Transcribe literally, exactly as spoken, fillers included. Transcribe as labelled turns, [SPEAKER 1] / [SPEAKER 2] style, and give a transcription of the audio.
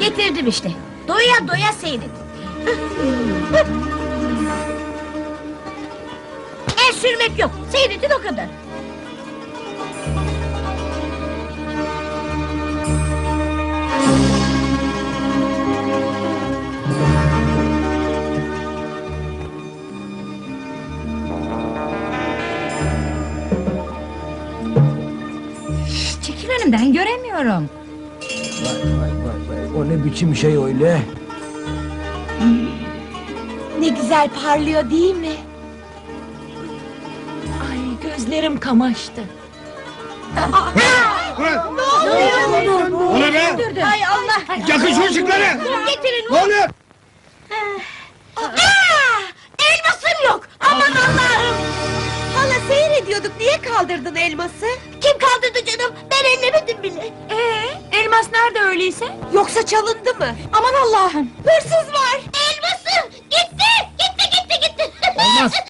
[SPEAKER 1] Getirdim işte. Doya doya seyredin. El sürmek yok. Seyredin o kadar.
[SPEAKER 2] Çekil önümden, göremiyorum.
[SPEAKER 3] Vay vay vay vay. O ne biçim şey öyle?
[SPEAKER 4] Ne güzel parlıyor değil mi? Ay gözlerim kamaştı.
[SPEAKER 5] O ne be?
[SPEAKER 1] Hay Allah.
[SPEAKER 5] Yakın şu ışıkları!
[SPEAKER 1] Getirin.
[SPEAKER 5] Ne oluyor?
[SPEAKER 1] Aa, elmasım yok. Aman Allah'ım.
[SPEAKER 4] Hala seyrediyorduk, niye kaldırdın elması?
[SPEAKER 1] Kim kaldırdı canım? Ben ellemedim bile.
[SPEAKER 2] Ee, elmas nerede öyleyse?
[SPEAKER 4] Yoksa çalındı mı?
[SPEAKER 2] Aman Allah'ım!
[SPEAKER 4] Hırsız var!
[SPEAKER 1] Elmasım gitti. Gitti gitti gitti.
[SPEAKER 3] Olmaz.